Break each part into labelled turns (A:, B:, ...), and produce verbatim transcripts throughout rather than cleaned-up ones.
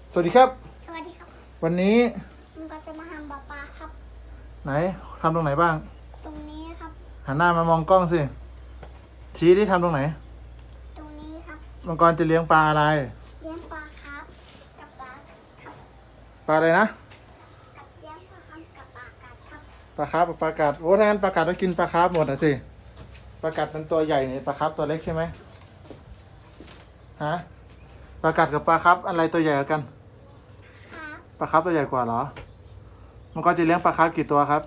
A: สวัสดีครับ
B: สวัสดีครับ
A: วันนี้
B: ผมก็จะมาทำปลาปลาครับ
A: ไหนทำตรงไหนบ้าง
B: ตรงนี้ครับ
A: หันหน้ามามองกล้องสิชี้ที่ทำตรงไหน
B: ตรงนี้ครับ
A: มังกรจะเลี้ยงปลาอะไร
B: เลี้ยงปลาครับกับปลาครับ
A: ปลาอะไรนะ
B: กับเลี้ยงปลาครับกับปลากัดครับ
A: ปลาคาร์ฟปลากัดโอ้ถ้างั้นปลากัดต้องกินปลาคาร์ฟหมดอ่ะสิปลากัดมันตัวใหญ่เนี่ยปลาคาร์ฟตัวเล็กใช่ไหมฮะปลากัดกับปลาคาร์ฟอะไรตัวใหญ่กว่ากัน
B: ครับ
A: ปลาคาร์ฟตัวใหญ่กว่าเหรอมังกรจะเลี้ยงปลาคาร์ฟกี่ตัวครับ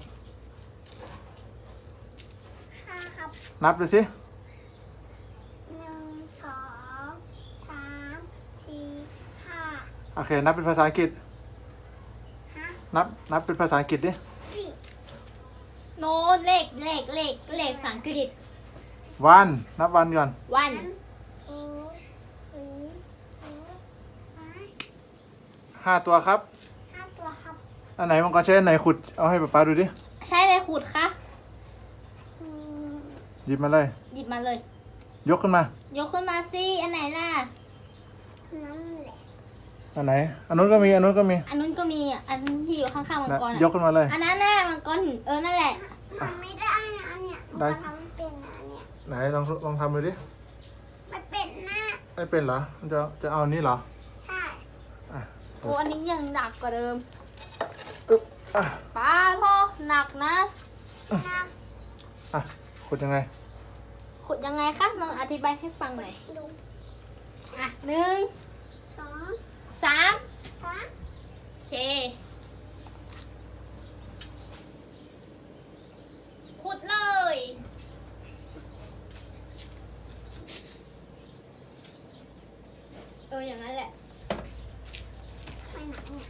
B: ห้าครับ
A: นับดูสิ
B: หนึ่งสองสามสี่ห้า
A: โอเคนับเป็นภาษาอังกฤษ
B: ฮะ
A: นับนับเป็นภาษาอังกฤษดิ
B: สี่
C: โน้ตเลขเลขเลขเลขภาษาอังกฤษ
A: วันนับวันก่อน
C: วัน
B: โอ้สี่หกแปด
A: ห้าตัวครับ
B: ห้าตัวครับ
A: อันไหนมังกรใช้อันไหนขุดเอาให้ป๊าป๊าดูดิ
C: ใช้อะไรขูดคะ
B: อืม
A: หยิบมาเลย
C: หยิบมาเลย
A: ยกขึ้นมา
C: ยกขึ้นมาสิอันไหนล่ะ
B: นั่นแหละ
A: อันไหนอันนู้นก็มีอันนู้นก็มี
C: อันนู้นก็มีอันที่อยู่ข้างๆมัง
A: นะ
C: กร
A: ย
C: อะ
A: กขึ้นมาเลย
C: อันนั้นน่ะมังกรหินเออนั่นแหละ
B: มันไม่ได้นะอันเนี้ย
A: ได้
B: มันทำไม่เป็นนะอันเนี้ย
A: ไหนลองลองทำดูดิ
B: มันเป็นหน้า
A: ไม่เป็นเหรอมันจะจะเอาอันนี้เหรอ
B: ใช่
A: อ่ะ
C: โอ้อันนี้ยังหนักกว่าเดิม
A: อึ๊บอ่ะ
C: ป้าพ่อหนักนะ
B: หน้า
A: อ่ะขุดยังไง
C: ขุดยังไงคะลองอธิบายให้ฟังหน่อย
B: ดู
C: อ่ะหนึ่ง
B: สอง
C: สาม
B: สาม
C: โอเคขุดเลยเอออย่างนั้นแหละ
B: ไม่หนักเนี่ย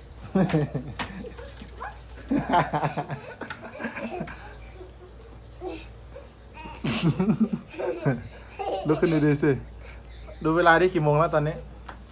A: ลุกขึ้นดีๆสิดูเวลาได้กี่โมงแล้วตอนนี้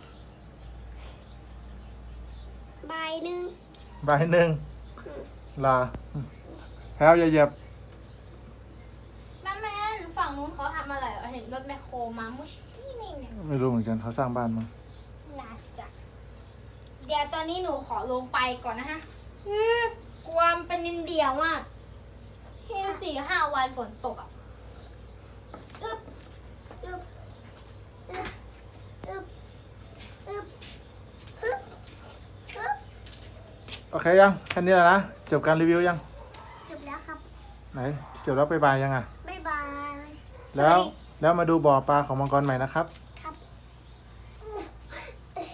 B: ใบหนึ่ง
A: บ่ายหนึ่งลาแพลวอย่าเหยียบ
C: แม่แม่นฝั่งนู้นเขาทำอะไรเหรอเห็นรถแมคโครมามุชกี้นี่เนี่ย
A: ไม่รู้เหมือนกันเขาสร้างบ้านมั้ง
C: น่าจะเดี๋ยวตอนนี้หนูขอลงไปก่อนนะฮะอืมกลัวมันเป็นนินเดียวอ่ะที่สี่ห้าวันฝนตกอ่ะอึ๊บ
B: อึบอึบอึบอึบอึบอึบ
A: โอเคยังแค่นี้แหละนะจบการรีวิวยัง
B: จบแล้วครับ
A: ไหนจบแล้วไปบายยังอ่ะ
B: บ๊ายบาย
A: แล้วแล้วมาดูบ่อปลาของมังกรใหม่นะครับ